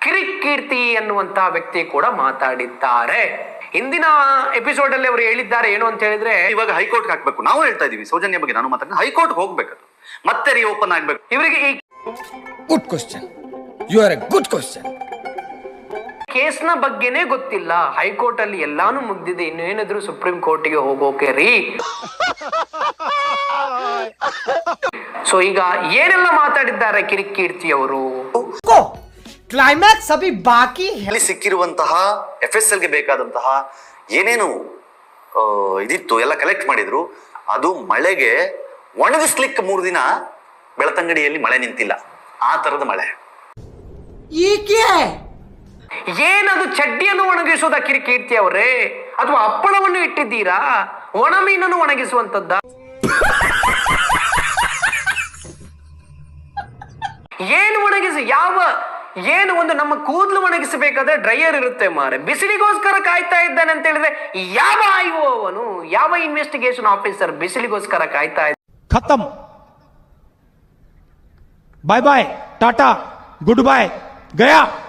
ಕಿರಿಕೀರ್ತಿ ಅನ್ನುವಂತ ವ್ಯಕ್ತಿ ಕೂಡ ಮಾತಾಡಿದ್ದಾರೆ. ಹಿಂದಿನ ಎಪಿಸೋಡ್ ಅಲ್ಲಿ ಅವರು ಹೇಳಿದ್ದಾರೆ ಏನು ಅಂತ ಹೇಳಿದ್ರೆ, ಇವಾಗ ಹೈಕೋರ್ಟ್ ಹಾಕ್ಬೇಕು. ನಾವು ಹೇಳ್ತಾ ಇದೀವಿ ಸೌಜನ್ಯ ಬಗ್ಗೆ ನಾನು ಮಾತಾಡ್ತೀನಿ, ಹೈಕೋರ್ಟ್ ಹೋಗ್ಬೇಕು, ಮತ್ತೆ ರೀಓಪನ್ ಆಗ್ಬೇಕು. ಇವರಿಗೆ ಈ good question, you are a good question. ಕೇಸ್ನ ಬಗ್ಗೆನೇ ಗೊತ್ತಿಲ್ಲ. ಹೈಕೋರ್ಟ್ ಅಲ್ಲಿ ಎಲ್ಲಾನು ಮುಗ್ದಿದೆ, ಇನ್ನೇನಾದ್ರೂ ಸುಪ್ರೀಂ ಕೋರ್ಟ್ಗೆ ಹೋಗೋಕೆ ರೀ. ಸೊ ಈಗ ಏನೆಲ್ಲ ಮಾತಾಡಿದ್ದಾರೆ ಕಿರಿಕೀರ್ತಿ ಅವರು. ಕ್ಲೈಮ್ಯಾಕ್ಸ್ ಅಭಿ ಬಾಕಿ ಅಲ್ಲಿ ಸಿಕ್ಕಿರುವಂತಹ FSL ಗೆ ಬೇಕಾದಂತಹ ಏನೇನು ಇದಿತ್ತು ಎಲ್ಲ ಕಲೆಕ್ಟ್ ಮಾಡಿದ್ರು. ಅದು ಮಳೆಗೆ ಒಣಗಿಸ್ಲಿಕ್ಕೆ 3 ದಿನ ಬೆಳತಂಗಡಿಯಲ್ಲಿ ಮಳೆ ನಿಂತಿಲ್ಲ, ಆ ತರದ ಮಳೆ. ಏನದು ಚಡ್ಡಿಯನ್ನು ಒಣಗಿಸೋದ ಕಿರಿಕೀರ್ತಿ ಅವರೇ, ಅಥವಾ ಹಪ್ಪಳವನ್ನು ಇಟ್ಟಿದ್ದೀರಾ, ಒಣ ಮೀನನ್ನು ಒಣಗಿಸುವಂತದ್ದ? ಏನು ಒಣಗಿಸಿ ಏನು ಒಂದು ನಮ್ಮ ಕೂದಲು ಒಣಗಿಸಬೇಕಾದ್ರೆ ಡ್ರೈಯರ್ ಇರುತ್ತೆ ಮಾರೆ, ಬಿಸಿಲಿಗೋಸ್ಕರ ಕಾಯ್ತಾ ಇದ್ದಾನೆ ಅಂತ ಹೇಳಿದ್ರೆ ಯಾವ IO ಅವನು, ಯಾವ ಇನ್ವೆಸ್ಟಿಗೇಷನ್ ಆಫೀಸರ್ ಬಿಸಿಲಿಗೋಸ್ಕರ ಕಾಯ್ತಾ ಇದ್ದ? ಖತಮ್, ಬಾಯ್ ಬಾಯ್, ಟಾಟಾ, ಗುಡ್ ಬಾಯ್, ಗಯಾ.